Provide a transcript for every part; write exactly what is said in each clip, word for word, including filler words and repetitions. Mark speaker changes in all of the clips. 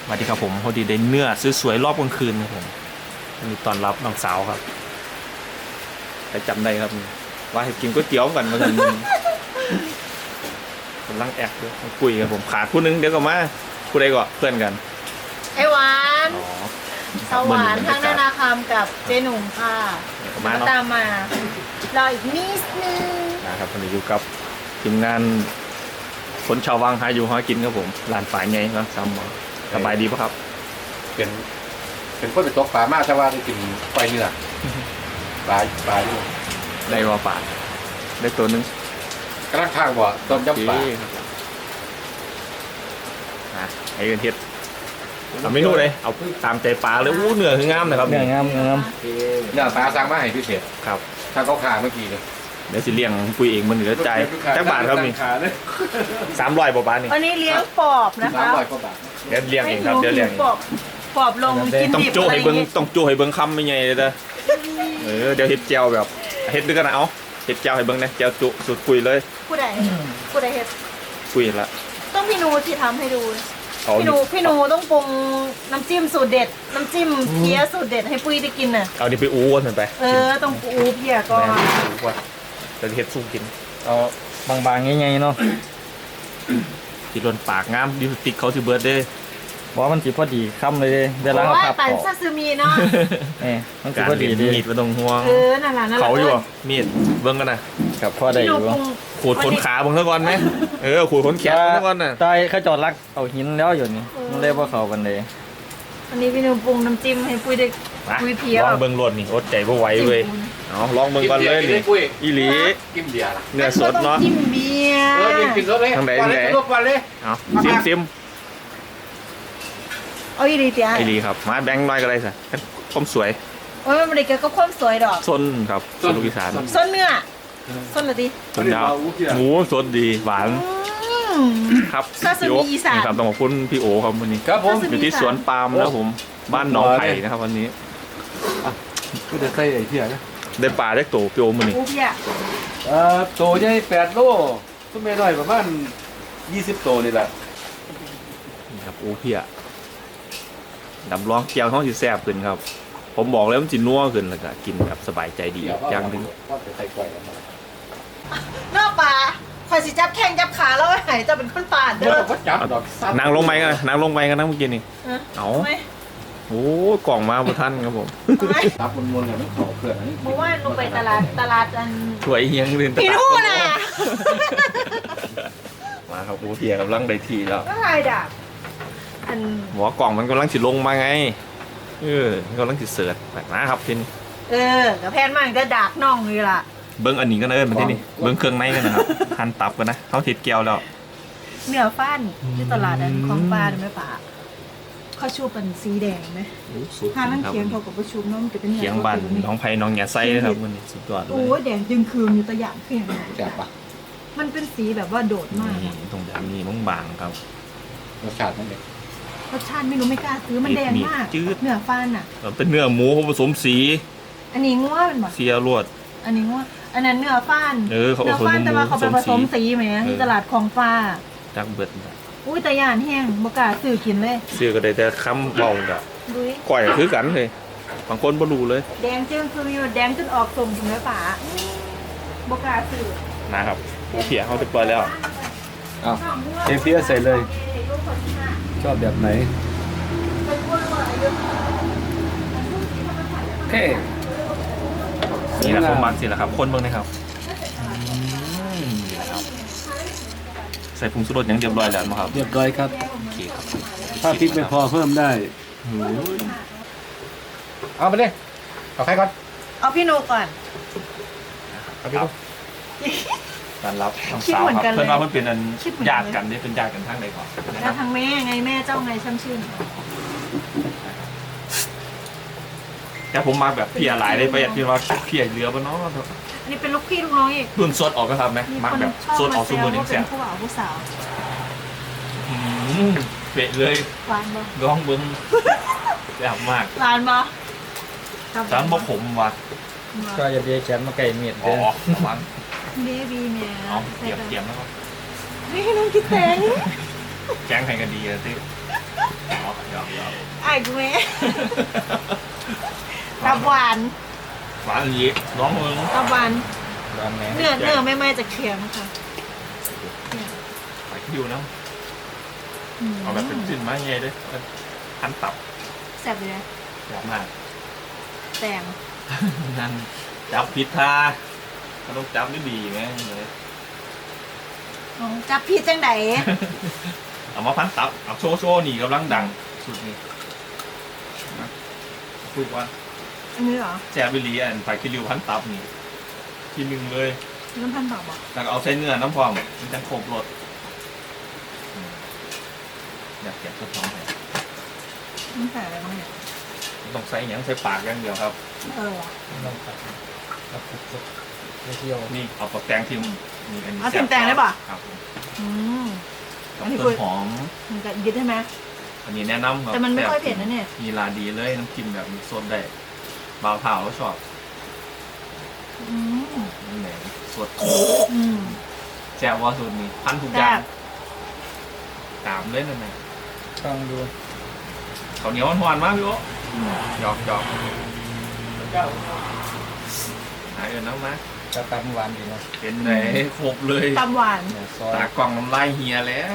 Speaker 1: สวัสดีครับผมพอดีได้เนื้อสวยๆรอบกลางคืนครับผมมีตอนรับน้องสาวครับใครจำได้ครับว่าให้กินก๋วยเตี๋ยวกันมากันกำลังแอกด้วยคุยกับผมขาดผู้นึงเดี๋ยวก็มาผู้ใดก็เพื่อนกัน
Speaker 2: ไอหวาน
Speaker 1: อ๋อ
Speaker 2: สวรรค์ทั้งนานาคำกับเจหนุ่มค่ะ
Speaker 1: มาเนาะ
Speaker 2: ตามมารออีกนิดนึง
Speaker 1: นะครับวันนี้อยู่กับทีมงานคนชาววังหาอยู่หากินครับผมร้านฝ่ายไงครับซ้ำหมอสบายดีปะครับ
Speaker 3: เป็นเป็นคนไปตกปลามากแต่ว่าได้กินปลาเนื้อปลาปลาอยู่
Speaker 1: ได้ว่าป่าได้ตัวหนึง
Speaker 3: กระลังข้างบ่ต้มยำปลา
Speaker 1: โอเคครับอ่ะไอ้เงินเทียดเอาเมนูเลยเอาตามใจปลาเลยอู้เนื้อคืองามนะครับ
Speaker 4: เนื้องามเนื้องาม
Speaker 3: เนื้อปลาสั่งมาให้พิเศษ
Speaker 1: ครับ
Speaker 3: ถ้าเขาขาเมื่อกี้เลย
Speaker 1: เดี๋ยวสิเลี้ยงปุยเองมันเหลือใจจักบาทครับนี่
Speaker 3: ขาเลย
Speaker 1: สามร้อยบาทนี่
Speaker 2: วันนี้เลี้ยงปอบนะ
Speaker 3: สาม
Speaker 2: คะ
Speaker 3: ร้อยกว่าบาท
Speaker 1: เดี๋ยวเลี้ยงเองครับเดี๋ยวเลี้ยงเอง
Speaker 2: ปอบปอบลงกิน
Speaker 1: ต้อง
Speaker 2: ดิบ
Speaker 1: จู้
Speaker 2: อะไร
Speaker 1: ให้
Speaker 2: อ
Speaker 1: เบิ้
Speaker 2: ย่าง งงี้
Speaker 1: ต้องจู้ให้เบิ้งคำไม่ไงเลยเด้อเออเดี๋ยวเฮ็ดเจียวแบบเฮ็ดด้วยกันนะเอาเฮ็ดเจียวให้เบิ้งนะเจียวจุสุดปุยเลย
Speaker 2: ผู้ใดผู้ใดเฮ็ด
Speaker 1: ปุยละ
Speaker 2: ต้องพี่นูที่ทำให้ดู
Speaker 1: เอา
Speaker 2: พี่นูพี่นูต้องปรุงน้ำจิ้มสูตรเด็ด น้ำจิ้มเพี้ยสูตรเด็ดให้ปุ้ยได้กินน่ะ
Speaker 1: เอานี่ไปอู้กันไป
Speaker 2: เออต้องปูเพี้ยก่อน
Speaker 1: แม่อู้ว่าเดี๋ยวเฮ็ดสู้กิน
Speaker 4: เอาบางๆง่ายๆเนาะ
Speaker 1: ที่ล้นปากงามดิติกเขาสิเบิร์ดเด้
Speaker 4: บอกว่ามันสิพอดีคำเลยเด้เวลาเขา
Speaker 2: โอ้ย
Speaker 4: พับ
Speaker 2: ปั่น
Speaker 4: ออก
Speaker 2: ซาซิมิเนาะ
Speaker 4: เอ้มันสิ
Speaker 1: การ
Speaker 4: พอดี
Speaker 1: เรียน
Speaker 4: เดี
Speaker 1: มีดไม่ต้องห่วง
Speaker 2: เออนั่นแหละนั่นแหละ
Speaker 1: เขาอยู่บ่มีดเบิ้งกันนะ
Speaker 4: กับพ่อได้
Speaker 2: พี่
Speaker 4: อ
Speaker 2: นู
Speaker 4: ยู่
Speaker 2: ปรุง
Speaker 1: ขูดขนขาเบิ้งซะก่อนไหมเออขูดขนแขนเบิ้งซะก่อนน่ะ
Speaker 4: ตายเขาจอดรักเอาหินแล้วอยู่นี่มันเลยว่าเขากันเลย
Speaker 2: วันนี้พี่นูปรุงน้ำจิ้มให้ปุ้ยได้
Speaker 1: มา
Speaker 2: ปุ้ยเพี้ย
Speaker 1: ลองเบิ้งรสนี่อดใจบ่ไหวเว้ยเอาลองเบิ้งก่อนเลยนี่อีหลี
Speaker 3: กินเบียร์ล่ะ
Speaker 1: เนื้อสดเนาะ
Speaker 2: จิ้มเบียร์
Speaker 3: เออกินสดเลย
Speaker 1: ทางไหน
Speaker 3: วันเลย
Speaker 1: ทางไหน
Speaker 3: ทุกวันเลย
Speaker 1: เอาซิมซิม
Speaker 2: เอาอีหลีเตีย
Speaker 1: อีหลีครับมาแบงค์น้อยก็ได้สิความสวย
Speaker 2: โอ้ยมันเด็กก็ความสวยดอก
Speaker 1: ส้นครับส้นลูกอีสาน
Speaker 2: ส้นเนื้อส้นเหรอดิ
Speaker 1: ส้นดาวหมูสดดีหวาน
Speaker 2: อืม
Speaker 1: ครับ
Speaker 2: ซาซิมิอีสาน
Speaker 1: นี่ครับต้องขอบคุณพี่โอครับวันนี้
Speaker 3: ครับผม
Speaker 1: อยู่ที่สวนปาล์มนะครับผมบ้านหนองไผ่นะครับวันนี้
Speaker 3: ก็จะใส่ไอ้เที่ยนะ
Speaker 1: ได้ปลาได้โตพี่โอมันนี่
Speaker 2: ปูเพี้ย
Speaker 3: เอ่อโตใหญ่แปดโลต้นเมย์น้อยประมาณยี่สิบโตนี่แหละ
Speaker 1: นี่ครับโอเพียดำร้องเกียวท้องสิแซ่บขึ้นครับ ผมบอกแล้วมันจินัวขึ้นแล้วก็กินแบบสบายใจดีอย่างหนึง
Speaker 3: ว่าจะใส่กล้วยกันมาน
Speaker 2: อกปลาคอยสิจับแข้งจับขาแล้วหายจะเป็นคนป่าดเด้
Speaker 3: เดี๋ยว
Speaker 2: อ
Speaker 3: เราก็จับดอกสั้น
Speaker 1: นางลงไปกันนะนางลงไปกันนะเมื่อกี้นี่
Speaker 2: เออ
Speaker 1: เอา
Speaker 2: ไม่
Speaker 1: โอ้กล่องมาบนท่านครับผม
Speaker 2: ไม่
Speaker 3: รับมนๆเนี่ยไม่ขอเพื่อนอันนี้
Speaker 2: เมื่อวานลงไปตลาดตลาดอัน
Speaker 1: ถวยเฮียงเรียนตลาด
Speaker 2: พี่นู่นน่ะ
Speaker 1: มาครับโอเพียกำลังได้ทีแล้ว
Speaker 2: ก็ไรดับอัน
Speaker 1: หัวกล่องมันกำลังสิลงมาไงเออมันกำลังสิเสิร์ชนะครับทีนี้
Speaker 2: เออกับแพนมากจะดักน่องเลยล่ะ
Speaker 1: เบิ้งอันนี้กันเอิญมาที่นี่เบิ้งเครื่องในกันนะครับหั่นตับกันนะเขาทิดแก้วแล้ว
Speaker 2: เนื้อฟ้านที่ตลาดอันของปลาได้ไหมป่าเขาชูเป็นสีแดงไหม ถ้ามันเคียงเขากับประชุมน้องจะเป็น
Speaker 1: เคียงบันน้องไผ่น้องหยาไส้นะครับวันนี้สุดยอดเล
Speaker 2: โอ้
Speaker 1: ย
Speaker 2: ยแดงจึงคืนอยู่ตะหยางเพียง
Speaker 3: แซ่บปะ
Speaker 2: มันเป็นสีแบบว่าโดดมาก
Speaker 1: นี่
Speaker 2: อะ
Speaker 1: ตรงแบบนี้บางๆครับ
Speaker 3: รสชาตินั่นเอง
Speaker 2: รสชาติไม่รู้ไม่กล้าซื้อมันแดงมาก
Speaker 1: จืด
Speaker 2: เนื้อฟ้านอ่ะ
Speaker 1: แล้วเป็นเนื้อหมูผสมสี
Speaker 2: อันนี้ง้วเป็นแบบ
Speaker 1: เสียรวด
Speaker 2: อันนี้ง้วอันนั้นเนื้อฟ้าน
Speaker 1: เออเขาเอา
Speaker 2: เนื้อฟ้านแต่ว่าเขาไปผสมสีไหม
Speaker 1: เออ
Speaker 2: ที่ตลาดของฟ้า
Speaker 1: จักเบิด
Speaker 2: อุ้ยตะหยานแห้งบกล้าซื้อกินเลย
Speaker 1: เสื้อก็ได้แต่คำเบากับ
Speaker 2: ดุย
Speaker 1: ก่อยก็คือกันเลยบางคนบ่รู้เลย
Speaker 2: แดงจึงคือมีแดงจนออกส้มถึงเลยป่าบกล้าซื้อ
Speaker 1: นะครับเขียเขาจะปล่อยแล้ว
Speaker 3: อ้าวเทเพียใส่เลย ชอบแบบไหนโอเค
Speaker 1: นี่แหละผมมักสิแหละครับคนเบิ่งนะครับอืมนี่แหละครับใส่ผงชูรสอย่างเรียบร้อยแล้วนะครับ
Speaker 5: เรียบร้อยครับ
Speaker 1: โอเคครับ
Speaker 5: ถ้าพริกไม่พอเพิ่มได้
Speaker 1: โอ้ย
Speaker 3: เอาไปเลยเอาใครก่อน
Speaker 2: เอาพี่โนก่อน
Speaker 3: เอาพี่ลูก
Speaker 1: การรับน้อง
Speaker 2: คิด
Speaker 1: สาว
Speaker 2: เหมือน
Speaker 1: ค
Speaker 2: กั
Speaker 1: รั
Speaker 2: น
Speaker 1: บ
Speaker 2: เลย
Speaker 1: เพื่อนว่าเพื่อนเป็นอัน
Speaker 2: คิดเหมือนกัน
Speaker 1: ญาติกันได้เป็นญาติกันทางใดก่อนนะค
Speaker 2: แล้
Speaker 1: รั
Speaker 2: ว
Speaker 1: บ
Speaker 2: ทางแม่ไงแม่เจ้าไงช่ำชื่น
Speaker 1: แต่ผมมาแบบเพียหลายได้ประหยัดพี่ว่าเพียเรือบ่เนาะ
Speaker 2: อันนี้เป็นลูกพี่ลูกน้องอีก
Speaker 1: รุ่นสดออกก็ครับไหม
Speaker 2: มี
Speaker 1: มัก
Speaker 2: คน
Speaker 1: แบบ
Speaker 2: ชอบ
Speaker 1: สดอ
Speaker 2: มา
Speaker 1: อก
Speaker 2: แซ
Speaker 1: ซู
Speaker 2: ว
Speaker 1: เมอร์
Speaker 2: ว่า
Speaker 1: นี่
Speaker 2: เป็
Speaker 1: แซ่
Speaker 2: น
Speaker 1: บ
Speaker 2: ผู้บ่าวผู้สาว
Speaker 1: อืมเปะเลย
Speaker 2: หวานบ่
Speaker 1: ร้องเบิ้งแซ่บมาก
Speaker 2: หวานบ่
Speaker 1: จานบ่ขมว่ะ
Speaker 4: ก็อย่าเบียแขนมาไก่เมียด
Speaker 1: อ๋
Speaker 4: เด้
Speaker 1: อ
Speaker 4: อ
Speaker 1: ประมาณ
Speaker 2: เบบีแม่
Speaker 1: เอาเตรียมเตรียมแล้วครับ
Speaker 2: นี่น้องคิดแตง
Speaker 1: แกงไทยก็ดีอะที่อ๋อเดี๋ยว
Speaker 2: กูไหมตับหวาน
Speaker 1: หวานอย่างนี้น้องมึง
Speaker 2: ตับหวาน
Speaker 4: ร้านแหน
Speaker 2: เนื้อเนื้อไม่ไหม้จากเคียงค่ะ
Speaker 1: ไปคิวนะ
Speaker 2: อืม
Speaker 1: เอาแบบเป็นชิ้นไม้ใหญ่ด้วยพันตับ
Speaker 2: แซ่บเลยนะ
Speaker 1: อยากมาก
Speaker 2: แตง
Speaker 1: นั่นจับผิดทามันต้องจับได้ดีไหมเลย
Speaker 2: อ๋อจับพี่จังได
Speaker 1: เอามาพันตับเอาโชว์โชว์นี่กำลังดังสุดนี่นะคุยว่า
Speaker 2: อันนี้เหรอ
Speaker 1: แซ่บบิลีอันไฟคิริวพันตับนี่ทีหนึ่งเลย
Speaker 2: น้ำพันต่อบอก
Speaker 1: แล้วก็เอาใส่เนื้อน้ำพร้อมมันจะครบรสอืมอยากแกะสักท้องเลย
Speaker 2: น้ำใส่อะไรบ้างเนี่ย
Speaker 1: ต้องใส่หยังใส่ปากอย่างเดียวครับ
Speaker 2: เออว่ะ
Speaker 4: ลองตัดตัดสุดๆไม่เที่ยว
Speaker 1: นี่เอาปากแตงทิมนี่อันนี้
Speaker 2: เอาทิมแตงได้ป่ะ
Speaker 1: ครับผม
Speaker 2: อืม
Speaker 1: กับ
Speaker 2: อันนี้
Speaker 1: ต้
Speaker 2: คุ
Speaker 1: น
Speaker 2: ย
Speaker 1: หอม
Speaker 2: มันจะยึดใช่ไหม
Speaker 1: อันนี้แนะนำครับ
Speaker 2: แต่มันไม่ค่อยเผ็ดนะเนี่ย
Speaker 1: มีลาดีเลยน้ำจิ้มแบบมีโซนได้บาวเผาก็ชอบ
Speaker 2: อืม
Speaker 1: นี่แหละสด
Speaker 2: อืม
Speaker 1: แจ่วว่าสูตรนี้พันทุกอย่าง
Speaker 2: แซ่บ
Speaker 1: ตามเลยนั่นแหละ
Speaker 4: ต้องดู
Speaker 1: ข้าวเหนียวหวานๆมากพี่โอ๊หยอกหยอกหายเอินน้ำมา
Speaker 4: จะตัดหวานดีนะ
Speaker 1: เป็นไหนครบเลย
Speaker 2: ตำหวาน
Speaker 4: เนี่ยซอย
Speaker 1: ตากล่องน้ำลายเฮียแล้ว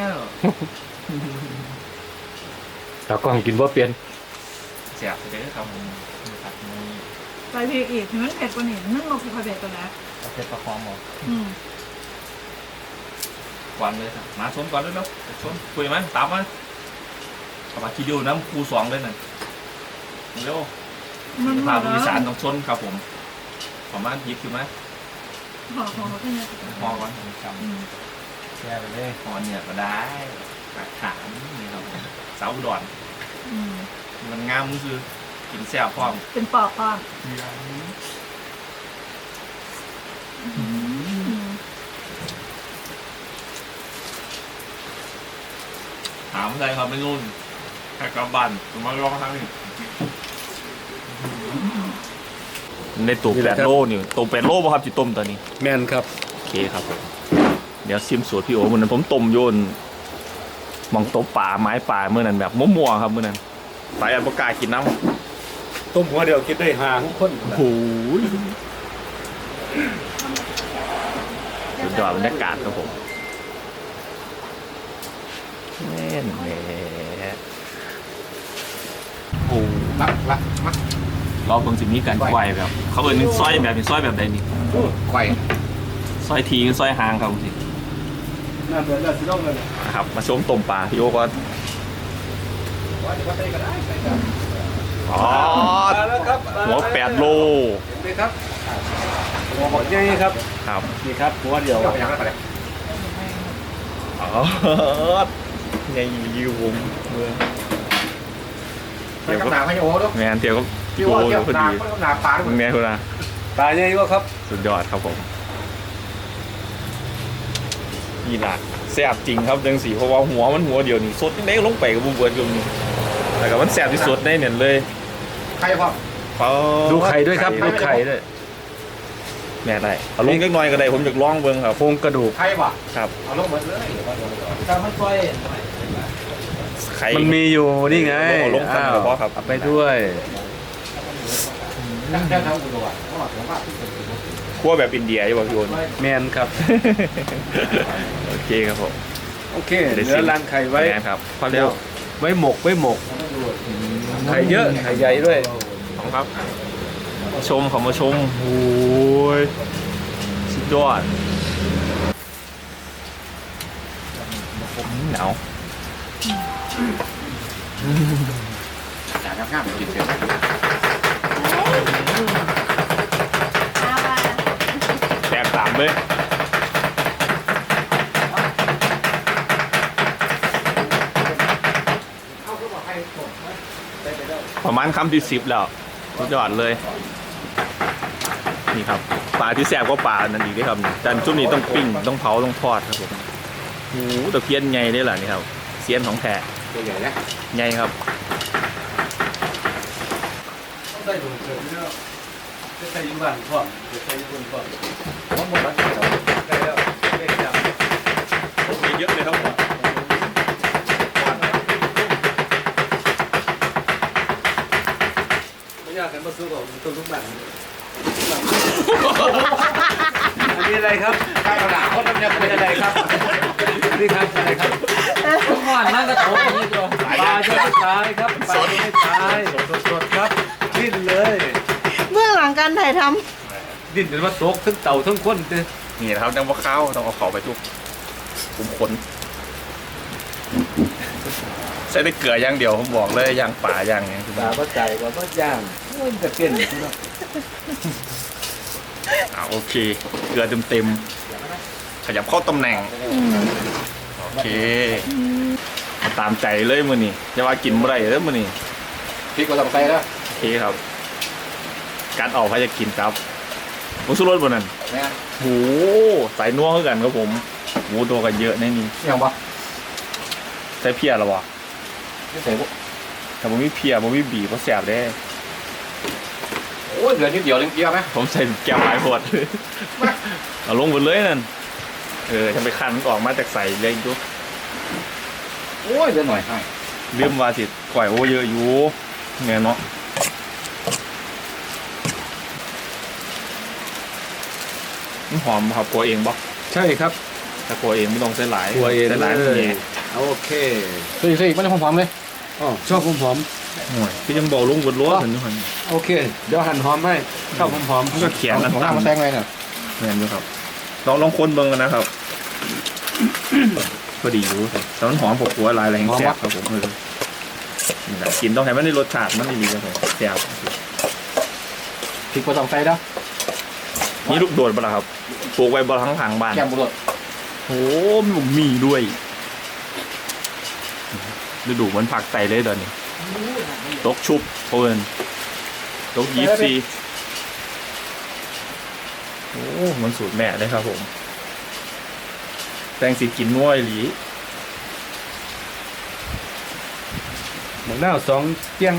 Speaker 3: แต่กล้องกินว่าเปลี่ยน
Speaker 1: แซ่บเลยครับผมครับนี่
Speaker 2: ใส่พริกอีกมันเผ็ดกว่านี้นึ่งมาคือเผ็ดกว่านะ
Speaker 4: เอาเผ็ดประคองหมด
Speaker 2: อืม
Speaker 1: ก่อนเลยครับมาชนก่อนเลยเนาะชนคุยไหมตามมาเอามาคิดดูน้ำครูสองเลยน่ะเร็ว
Speaker 2: มัน
Speaker 1: พาผู้โดยสารต้องชนครับผมประมาณยิบอยู่ไหม
Speaker 2: หอมของเขาเป็นยังไง
Speaker 1: พอก่อน
Speaker 4: จ
Speaker 2: อืม
Speaker 4: ำแช่ไปเลย
Speaker 1: พอเนี่ยก็ได้หลักฐานนี่ครับผมสาวอุดร
Speaker 2: อืม
Speaker 1: มันงามมือคือกินแซ่บพร้อม
Speaker 2: เป็นปอกความ อืม
Speaker 1: ถามอะไรครับไม่รุ่นแค่กระบันมาลองทางนี้ในตัวแปดโลนี่ตัวแปดโลป่ะครับจิต้มตอนนี้
Speaker 3: แม่นครับ
Speaker 1: โอเคครับผมเดี๋ยวซิมสูตรพี่โอ๋มื่อนั้นผมต้มโยนมองโต๊ะป่าไม้ป่าเมื่อนั้นแบบมั่วๆครับเมื่อนั้นไปอันประกล้าศกินน้ำ
Speaker 3: ต้มหัวเดียวกินได้หาทุกคน
Speaker 1: โอ้โหสุดยอดบรรยากาศครับผมแน่นแหละโอ้
Speaker 3: รักรักมาร
Speaker 1: อบเบิ่งสิมีการไกวแบบ เขาเอิ้นซอยแบบนี้ซอยแบบใดนี่
Speaker 3: ไข่
Speaker 1: ซอยทีซอยหางครับสิ
Speaker 3: น่าเบื่อน่าสิต้องเลย
Speaker 1: นะครับ มาชมต้มปลาพี่โอก่อน
Speaker 3: ว่าจะใส่ก็ได้ใส่กัน
Speaker 1: อ๋อ
Speaker 3: มาแล้วครับ
Speaker 1: หัวแปดโล
Speaker 3: เห็นไหมครับหัวหมดยังไงครับ
Speaker 1: ครับ
Speaker 3: นี่ครับหัวเดียวอย่างนั้นไปเลย
Speaker 1: อ๋อไงยูผมเมือง
Speaker 3: ใส่กำหนาให้โอ้ด้วย
Speaker 1: แมนเตียวก็
Speaker 3: พี่
Speaker 1: โก
Speaker 3: ว่า
Speaker 1: อ
Speaker 3: เที่ยว
Speaker 1: ยู่พอ
Speaker 3: นา
Speaker 1: ดี
Speaker 3: ก็ต้องนาปลาด้วย
Speaker 1: มึงแน่คุณนะ
Speaker 3: ปลาใหญ่ก็ครับ
Speaker 1: สุดยอดครับผมนี่ล่ะแซ่บจริงครับจังสีเพราะว่าหัวมันหัวเดียวนี่สดนี่เล็กลงไปกับบุบเบิร์ดอยู่นี่แต่ก็มันแซ่บที่สุดได้เนี่ยเลย
Speaker 3: ไข่พ่อ
Speaker 1: เขา
Speaker 3: ดูไข่ด้วยครับดูไข่ด้วย
Speaker 1: แม่ได้เอาลงเล็กน้อยก็ได้ผมอยากลองเบิ่งครับ
Speaker 3: โครงกระดูกไข่ป่ะ
Speaker 1: ครับ
Speaker 3: เอาลงหมดเลย
Speaker 4: ถ้ามันซอย
Speaker 1: ไข่
Speaker 3: มันมีอยู่นี่ไง
Speaker 1: เอาลงกันเฉพาะครับ
Speaker 3: เอาไปด้วย
Speaker 1: คั่วแบบอินเดียใช่ป่ะพี่โอน
Speaker 3: แมนครับ
Speaker 1: โอเคครับผม
Speaker 3: โอเคเหลือรังไข่ไว้
Speaker 1: แม่ครับพอแล้ว
Speaker 3: ไว้หมกไว้หมกไข่เยอะไข่ใหญ่ด้วย
Speaker 1: ขอบคุณครับชมขอมาชมโอ้ยสุดยอดหนาว
Speaker 3: อยากง่ายๆกินเสร็จ
Speaker 2: เอามา
Speaker 1: แตกต่างเลยประมาณคำที่สิบแล้วสุดยอดเลยนี่ครับปลาที่แซ่บก็ปลานั่นอีกด้วยครับแต่จุดนี้ต้องปิ้งต้องเผาต้องทอดครับผมโอ้โหตะเพียนใหญ่ได้หรอนี่ครับเสียนของแท้
Speaker 3: ตัวใหญ่นะ
Speaker 1: ใหญ่ครับ
Speaker 3: ต้องได้ดูเสร็จแล้วจะใส่ยี่บ้านพ่อจะใส่ยี่คนพ่อผมหมดแล้วได้แล้วได้แล้ว
Speaker 1: เยอะเลยครับผม
Speaker 3: ากกันมาสู้กับต้นทุกบ้านอันนี้อะไรครับข้าวหลามเขาทำเนี่ยเป็นอะไรครับนี่ครับอะไรครับ
Speaker 4: ทุกวันนั่งกระโถนนี่ตัว
Speaker 3: ปลาจะไม่ตายครับปลาจะไม่ตายสดๆครับดิ้นเลย
Speaker 2: เบื้องหลังการถ่ายท
Speaker 3: ดิ้นจนว่าตกทั้งเต่าทั้งคนเลย
Speaker 1: นี่นะครับจังว่าข้าวต้องเอาเขาไปทุกคุมขนใส่ได้เกลืออย่างเดียวผมบอกเลยอย่างป่าอย่างเนี้ย
Speaker 3: ปลาก็ใจกว่าก็ย่างมันจะเป็น
Speaker 1: อ่าโอเค เกลือเต็มๆขยับเข้าตำแหน่ง
Speaker 2: ำอืม
Speaker 1: โอเคเอาตามใจเลยมือนี่จะว่ากินเมื่อไรเด้อมือนี่
Speaker 3: พริกก็ต้องใส่แล้ว
Speaker 1: โอเคครับ การออกพาจะกินครับมุสุรสบนนั้น
Speaker 3: แม่
Speaker 1: โหใส่นัวขึ้นกันครับผมโหตัวกันเยอะแน่นี่
Speaker 3: ยังปะ
Speaker 1: ใส่เพียหรอวะ
Speaker 3: ไม่ใส่พวก
Speaker 1: ถ้าผมมีเพียผมมีบีบก็แสบได้
Speaker 3: โอ้ยเหลือนิดเดียวเล็งเกี๊ยวไหม
Speaker 1: ผมใส่แก้วหลายพด เอาลงหมดเลยนั่นเออทำไปคันมันออกมาจากใส่เลยจุ๊
Speaker 3: โอ้ยเหลือหน่อยให้
Speaker 1: เรื่องวาสิก่อยโอเยอะอยู่ไงเนาะมันหอมครับกลัวเองบ่
Speaker 3: ใช่ครับ
Speaker 1: ถ้ากลัวเองไม่ต้องใส่หลาย
Speaker 3: กลัวเอง
Speaker 1: ใส่หลาย
Speaker 3: เลย
Speaker 1: นี่
Speaker 3: โอเคใส่ใส่ไม่ได้หอมๆเลยอ๋อชอบหอม
Speaker 1: โอ้ยพี่ยังบอกลุงบนรั้วเห็นอยู่หัน
Speaker 3: ๆโอเค เดี๋ยวหั่นหอมให้ชอบหอมๆ
Speaker 1: มันก็เขียนนะ
Speaker 3: ของหน้ามาแซงไว้น่ะ
Speaker 1: เหมือนอยู่ครับลองลองคนเบิ่งกันนะครับ พอดีอยู่แต่มันหอมปกหัวลายแรงแซ่บครับผมเออนี่แหละกินต้องให้มันได้รสชาติมันดีครับผมแซ่บ
Speaker 3: พริกก็ต้องใส่แล้ว
Speaker 1: นี่ลูกโดดปะล่ะครับปลูกไว้บนทั้งทางบ้าน
Speaker 3: แกมบุรด
Speaker 1: โอ้มีหมีด้วยฤดูมันผักไตเลยเดี๋ยวนี้ตกชุบเพิ่นตกยีซีโอ้มันสูตรแม่เลยครับผมแตงสีกินน้อยหลี
Speaker 3: หมูหน้าสองเตียง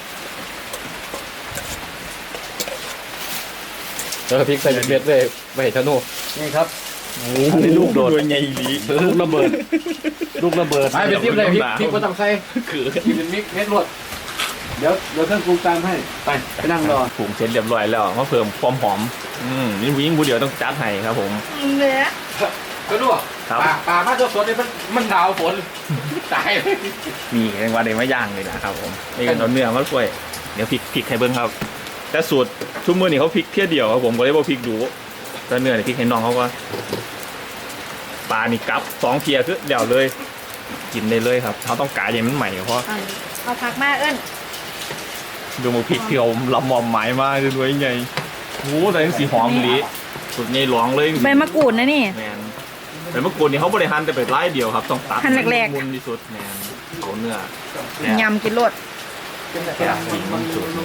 Speaker 3: แล้วพริกใส่เม็ดๆเลยไปเห็นธนูนี่ครับ
Speaker 1: โอ้ยลูกโดดด้วยไงหลี
Speaker 3: ลูกระเบิด ลูกระเบิดไปเป็นทิปเลยพริกพริกก็ต้องใส่
Speaker 1: คือ
Speaker 3: พริกเป็นมิกเม็ดรวดเดี๋ยวเดี๋ยวเครื่องปรุงตามให้ไปไปนั่งรอ
Speaker 1: ผงเสร็จเรียบร้อยแล้วมาเพิ่มความหอมอืมนี่วิ่งผู้เดียวต้องจัดให้ครับผม
Speaker 2: เนื้อ
Speaker 3: ก็รู้
Speaker 1: ครับ
Speaker 3: ป่าป่ามาสดๆเลยมันมันหนาวฝนตายเลย
Speaker 1: มีแรงว่าเดมาย่างเลยนะครับผมนี่กันเอาเนื้อมาช่วยเดี๋ยวพริกพริกให้เบิ้งครับ แต่สูตรทุกมื้อนี่เขาพริกเที่ยเดียวครับผมก็เลยว่าพริกดูแต่เนื้อนี่พริกให้น้องเขาก็ปลานี่กับสองเพียคือเดี่ยวเลย กินได้เลยครับเขาต้องกาอย่างมันใหม่เพราะ
Speaker 2: เอาเอาผักมาเอิ้น
Speaker 1: ดูมาพริกที่เขาลำมอมหมายมากด้วยไงโอ้แต่ยังสีหอมดีสุดใหญ่หลวงเลย
Speaker 2: ใบมะกรูดนะนี่
Speaker 1: แมนแต่เมื่อก่อนนี่เขาบริหารแต่เป็ดไล่เดียวครับต้องตัด
Speaker 2: หั่นแรกๆ
Speaker 1: มุนที่สุดแมนเขาเนื้อย
Speaker 2: ำกินรส
Speaker 1: แค่สีมันสุด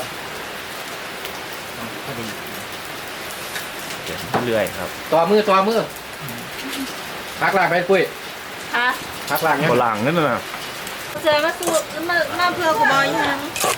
Speaker 1: เก็บเรื่อยครับ
Speaker 3: ต่อมือต่อมือพักล่างไปปุ้ย
Speaker 2: อ่ะ
Speaker 3: พักล่างเนี่ย
Speaker 1: ฝรั่งนั่นน่ะ
Speaker 2: เจอมาสูตรมามาเพื่อกูบอยยัง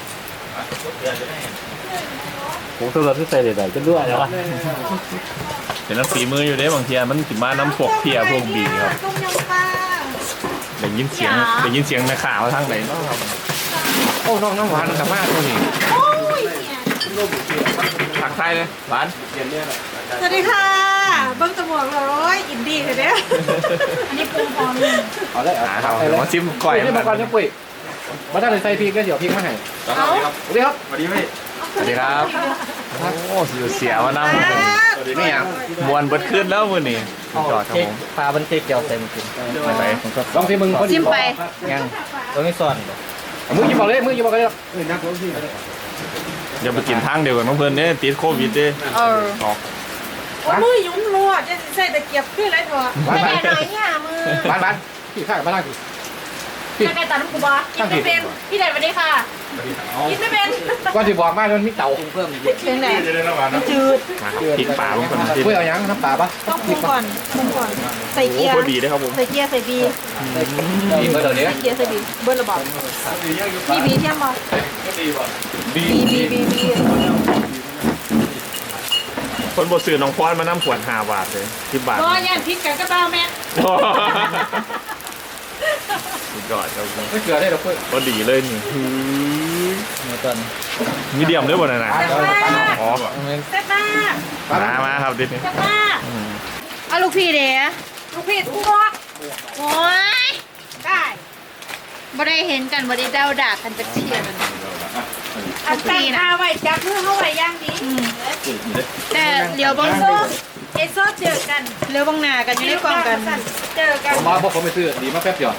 Speaker 3: ผมตัวเราที่ใส่ใดๆก็ด้วยแล้ว
Speaker 1: เป็นน้ำฝีมืออยู่เด้บางทีมันสิมาน้ำพวกเพียพวกบีครับ
Speaker 2: ต้มยำปลา
Speaker 1: ได้ยินเสียงได้ยินเสียงในข่าวทางไหนเนาะครับ
Speaker 3: โอ้น้องน้ำหวานกับมากตัวนี้
Speaker 2: โอ้ยเนี่ย
Speaker 1: ผักไทยเลยหวาน
Speaker 2: สวัสดีค่ะเบิ้งตะหมวกเลยอินดี้เลยเนี่ยอันนี้ปรุงพร้อมเลย
Speaker 3: เอาได้
Speaker 1: หาครับเดี๋ยวมาชิมก่อย
Speaker 3: นี่มาก่อนนะปุ้ยมาได้เลยใส่พริกก็เดี๋ยวพริกมาให้
Speaker 2: เอา
Speaker 3: สวัสดีครับ
Speaker 1: สวัสดีพี่สวัสดีครับ โอ้เสียเสียวน้ำ
Speaker 3: นี่อ่ะ
Speaker 1: มวนเบิดขึ้นแล้วมือนี่สุดยอดครับผม
Speaker 4: ปลาบันเทกเดียวเต็มกิน
Speaker 1: ไปไป
Speaker 3: ลองที่มึง
Speaker 2: จิ้มไป
Speaker 4: ยังตัวนี้ซ่อนบ่
Speaker 3: มือยิบบอกเลยมือยิบบอกเลยเออนักลงที่
Speaker 1: เดี๋ยวไปกินทางเดียวกันน้องเพื่อนเนี่ยติดโควิดเด้
Speaker 2: เออ
Speaker 1: ออก
Speaker 2: โอ้มือยุ่มรัวจะใส่ตะเกียบขึ้นไรเถอะไม่แน่หน่อยเนี่ยมือ
Speaker 3: บ้านบ้านพี่ข้ากับบ้านล่างพี่
Speaker 2: ใส่ไก่ตัดน้ำกูบอกินไม่เป็นพี่เด็ดสวัสดีค่ะกินไม่เป็น
Speaker 3: ก่อนที่บอกมามันมีเต่า
Speaker 4: เพิ่มอีก
Speaker 2: เป็นไงมันจืด
Speaker 1: มาครับพริกป่าบางคน
Speaker 3: ปุ้ยเอายังน้ำปลาปะ
Speaker 2: ต้องปรุงก่อนปรุงก่อนใส่
Speaker 1: โอ้
Speaker 2: เกียร์
Speaker 1: พอดีได้ครับผม
Speaker 2: ใส่เกียร์ใส่บี
Speaker 3: นี่เบอร์เดี๋ยวนี้
Speaker 2: ใส่เกียร์ใส่บีเบิ้ลระบอกมีบีเทียมบอบีบีบีบี
Speaker 1: คนบดสื่อน้องพรมานั่งขวดห้าบาทเลยสิบบาท
Speaker 2: ก็ย่านพริกกันก็เต้าแม่
Speaker 1: สุดยอดครับผม
Speaker 3: ไม่เกลือได้หรอกปุ้ย
Speaker 1: พอดีเลยนี่
Speaker 4: เมื่อตอน
Speaker 1: มีเดียมด้วยบ่นะนะ
Speaker 2: แซ่บมาก
Speaker 1: อ๋อ
Speaker 2: แซ่บมาก
Speaker 1: มามาครับดิ
Speaker 2: แซ่บมากเอาลูกพี่เด้ลูกพี่ทุกข์โอ้ยได้บ่ได้เห็นกันบ่ได้เดาด่ากันจักเที่ยมันอันตั้งท่าไว้จับมือเข้าไว้ย่างดีแต่เดี๋ยวบังโซ่เอโซ่เจอกันเร็วบังหน้ากันอยู่ในกล่องกันเจอกัน
Speaker 3: มาพวกผมไปซื้อดีมาแป๊บเดียว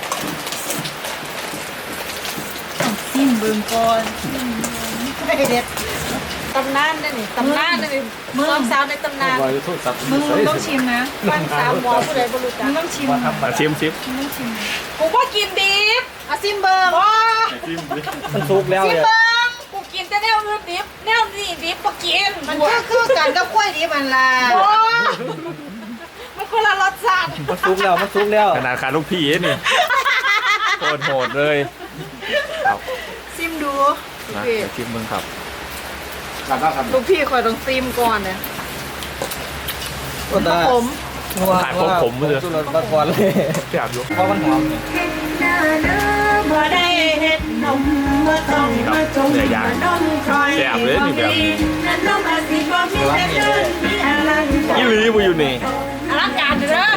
Speaker 2: ซิมเบิ่งก่อนไม่เด็ดตำนานได้นี่ตำนานได้นี่มึงสาวในตำนาน
Speaker 3: ไว้โทษสับ
Speaker 2: มึงต้องชิมนะฟันสามหมอผู้ใดบ่รู้จักมึงต้องชิม
Speaker 1: มาชิมชิม
Speaker 2: มึงต้องชิมกูก็กินดิบเอาซิมเบิ่ง
Speaker 4: มันสุกแล้ว
Speaker 2: ซิม
Speaker 4: เนี่ย
Speaker 2: เบิ่งกูกินแต่แนวอื่นดิบแนวนี้ดิบบ่กินมันก็คือกันกับกล้วยดิบมันล่ะมันคนละรสชาติ
Speaker 4: มันสุกแล้วมันสุกแล้ว
Speaker 1: ขนาดขาลูกพี่นี่โคตรโหดเลยครับ
Speaker 2: ซิมดู
Speaker 1: นะเดี๋ยวชิมมึงครับ
Speaker 3: ทำได้ทำ
Speaker 2: ลูกพี่คอยต้องซิมก่อนเนี่ย
Speaker 4: ก็ได้
Speaker 2: ผม
Speaker 1: ถ่ายพวกผมเลย
Speaker 4: สุดรสบัดก่อนเลย
Speaker 1: แซ่บอยู่
Speaker 4: เพราะมันหอม
Speaker 2: บ่ได้เฮ็ดนมบ่ต้อง
Speaker 1: นี่ครับเนื้อย่างแซ่บเลยนี่แบบนี้
Speaker 2: นมอาสิบ่มีแต่เดินมีอะไร
Speaker 1: ยี่หลีบุอยู่นี่
Speaker 2: อลังการเด้อ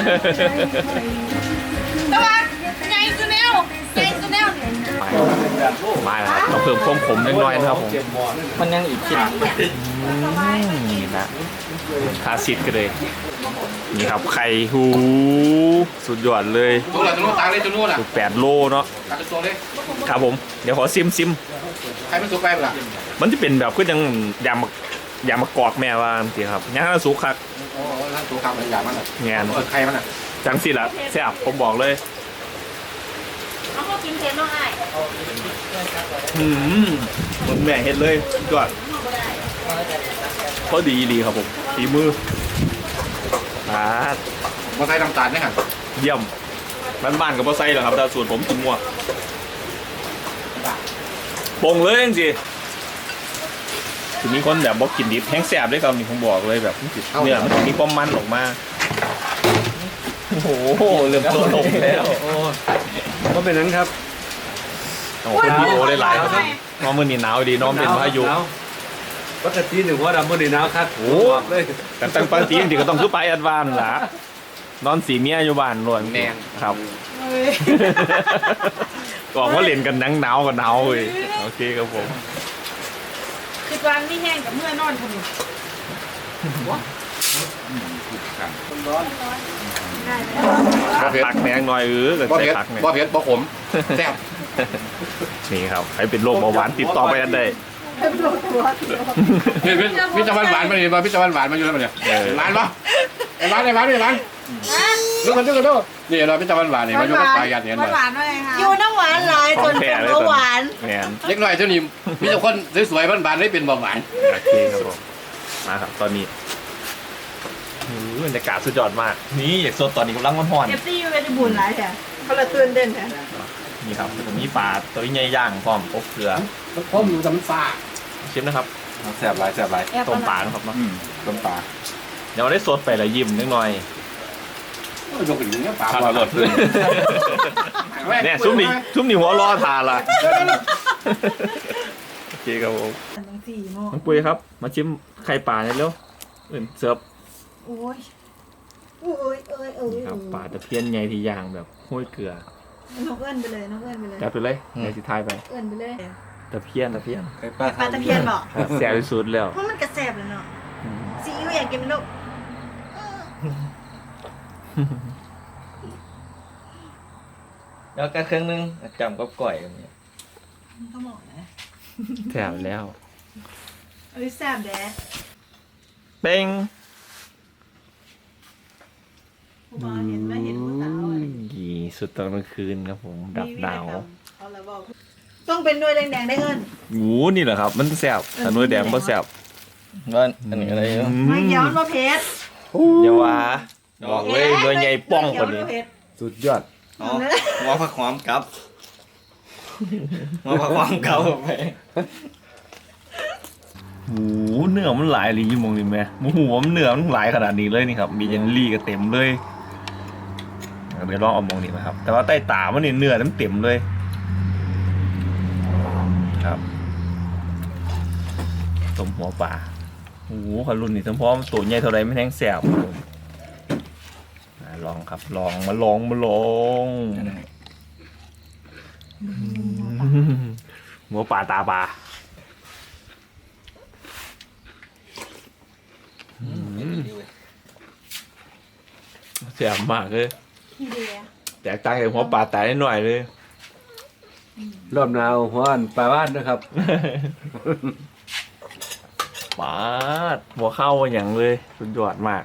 Speaker 2: แต่ว่าใหญ่สุดแนวใหญ่สุดแนว
Speaker 1: มาแล้วครับเราเพิ่มความขมเล็กน้อยนะครับผม
Speaker 4: มันยังอีกชิ้น
Speaker 1: นี่นะคาซิดกันเลยนี่ครับไข่หูสุดยอดเลย
Speaker 3: ตัวละตัวนู้นตางเลยตัวนู้นอ่ะ
Speaker 1: สุดแปดโลเนาะ
Speaker 3: ตักตัวเลย
Speaker 1: ครับผมเดี๋ยวขอซิมซิม
Speaker 3: ใครมันสุกไปเปล่า
Speaker 1: มันจะเป็นแบบก็ยังยำมะยำมะกอกแม่ว่าจริงครับย่างสุกคัก
Speaker 3: โอ้ทั้งตัวข้าวมันอย่างมันอ่ะ
Speaker 1: งาน
Speaker 3: เออใครมันอ่ะ
Speaker 1: จังสิละแซ่บผมบอกเลย
Speaker 2: เอาข้าวกินเค็มน้องอ้าย
Speaker 1: อืมมันแม่เฮ็ดเลยสุดยอดพอดีดีครับผมฝีมืออ่า
Speaker 3: มาใส่น้ำตาลไหมฮะ
Speaker 1: เยี่ยมบ้านๆกับพ่อไส้เหรอครับแต่ส่วนผมกินมั่วปงเลยจริงๆถึงมีคนแบบบอกกินดิบแห้งแสบด้วยครับนี่ผมบอกเลยแบบมันสิเนื้อมันจะมีความมันออกมาโอ้โหเริ่มต้นลงแล้ว
Speaker 5: ก็เป็นนั้นครับ
Speaker 1: โอ้โหพี่โอได้หลายครับน้องมือนี่หนาวดีน้องเป็นพายุ
Speaker 5: หนวปกติหนึ่งว่าดำมันหนาวครับ
Speaker 1: โอ้
Speaker 5: บอกเลย
Speaker 1: แต่ตั้งปกติจริงๆก็ต้องคือไปแอดวานซ์ละนอนสีเมียอยู่บ้านล้วนครับ
Speaker 2: เฮ้ย
Speaker 1: บอกว่าเล่นกันหนังหนาวกับหนาวเลยโอเคครับผม
Speaker 2: คือวางนี่แห้งกับเมื่อนอนคนนี้ได้ไหม
Speaker 1: ผักแมงหน่อยเออกับ
Speaker 3: บ่
Speaker 1: ใส่
Speaker 3: เผ็ด
Speaker 1: ผักเนี่ย
Speaker 3: บ่เผ็ดบ่ขมแซ่บ
Speaker 1: นี่ครับใครเป็นโรคเบาหวานติดต่อไปอันใด
Speaker 2: เป็นโรคตัว
Speaker 3: พี่พี่พี่ตะวันหวานมาเลยมาพี่ตะวันหวานมาอยู่แล้วมันเนี่ยหวานปะไอ้หวานไอ้หวานไอ้หวานดูกันดูกันดูนี่เราพี่ตะวันหวานเนี่ยมาอยู่กับปลายัดเนี่ย
Speaker 2: หวานด้วยค่ะอยู่น้ำหวานหลายจนเป็นเบาหวาน
Speaker 1: แมน
Speaker 3: เล็กน้อยเท่านี้มีแต่คนสวยๆบ้านๆได้เป็นเบาหวาน
Speaker 1: โอเคครับผมมาครับตอนนี้โอ้โหบรรยากาศสุดยอดมาก นี่อยากสดตอนนี้กำลังร้อน
Speaker 2: เอฟซีอยู่เป็นบุญหลายแท้เขาละตื่นเต้นแท้
Speaker 1: ๆนี่ครับผมมีปลาตัวใหญ่ย่างพร้อมอบเกลือ
Speaker 3: พมอยู่แต่มันฟ้า
Speaker 1: ชิมนะครับ
Speaker 3: แซ่บหลายแซ่บหลาย
Speaker 1: ต้มปลานะครับเนาะ
Speaker 3: ต้มปลา
Speaker 1: เดี๋ยวได้สดไปละยิ้มนิดหน่อย
Speaker 3: ยกขึ้นอย่างเงี้ยปลา
Speaker 1: ข้าวรสเนี่ยซุ้มนี่ซุ้มนี่หัวล้อทานละโอเคครับผม
Speaker 2: ตั้งสี่โมง
Speaker 1: น้องปุ้ยครับ มาชิมไข่ปลาเนี่ยเร็วเอิ่นเสิร์ฟ
Speaker 2: โอ้ยโอ้ยเอ้ยเอ้ย
Speaker 1: นี่ครับปลาตะเพียนใหญ่ที่ย่างแบบห้วยเกลือ
Speaker 2: น้องเอิ้นไปเลยน้องเอิ้นไปเลย
Speaker 1: จัดไปเลยในสิทายไป
Speaker 2: เอิ้นไปเลย
Speaker 1: ตะเพียนตะเพียน
Speaker 2: ปลาตะเพียนบอก
Speaker 1: แซ่บที่สุดแล้ว
Speaker 2: เพราะมันกระแสบเลยเนาะซีอิ๊วอยากกินไหมลูก
Speaker 4: แล้วก็เครื่องนึงจำกับก่อยแบบนี้
Speaker 2: ต้องบอกนะ
Speaker 1: แซ่บแล้ว
Speaker 2: เอ้ยแสบแดด
Speaker 1: เป้ง
Speaker 2: ผู้บ่าวเห็นไหมเห็นผู้สาวอะ
Speaker 1: ยี่สุดตอนกลางคืนครับผมดับดาว
Speaker 2: เอาละบอกต้องเป็นด้วยแดงๆได้เงิน
Speaker 1: โอ้นี่แหละครับ มันแซ่บแต่นุ่ยแดงก็แซ่บ
Speaker 4: ว่าอันนี้อะไรเนาะ
Speaker 2: ไม่เกี่ยวมันมาเพชร
Speaker 1: เดี๋ยวว่าบอกเลยหน่วยใหญ่ป้องกว่านี้
Speaker 5: สุดยอด
Speaker 4: อ๋อหัวผักหอมกับหัวผักหอมกับไป
Speaker 1: โอ้โหเนื้อมันหลายเลยยี่โมงนี่แม่โอ้โหมันเนื้อมันหลายขนาดนี้เลยนี่ครับ มีเยลลี่ก็เต็มเลยเดี๋ยวลองเอามองนี่นะครับ แต่ว่าใต้ตามันนี่เนื้อมันเต็มเลย ครับต้มหัวปลาโอ้โหขลุ่นนี่ทั้งพร้อมตัวใหญ่เท่าไรไม่แห้งแสบครับผมอ่าลองครับลองมาลองมาลองอืมหัวปลาตาปลาอืมแสบมากเลย
Speaker 2: พี่เดีย
Speaker 1: แตกต่างจากหัวปลาตายนิดหน่อยเลย
Speaker 5: รอบหนาวหัวอันปลาบ้านนะครับ
Speaker 1: ปาดหัวเข้าอย่างเลยสุดยอดมาก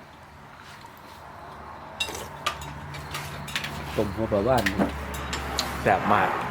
Speaker 5: ต้มหัวปลาบ้าน
Speaker 1: แสบมาก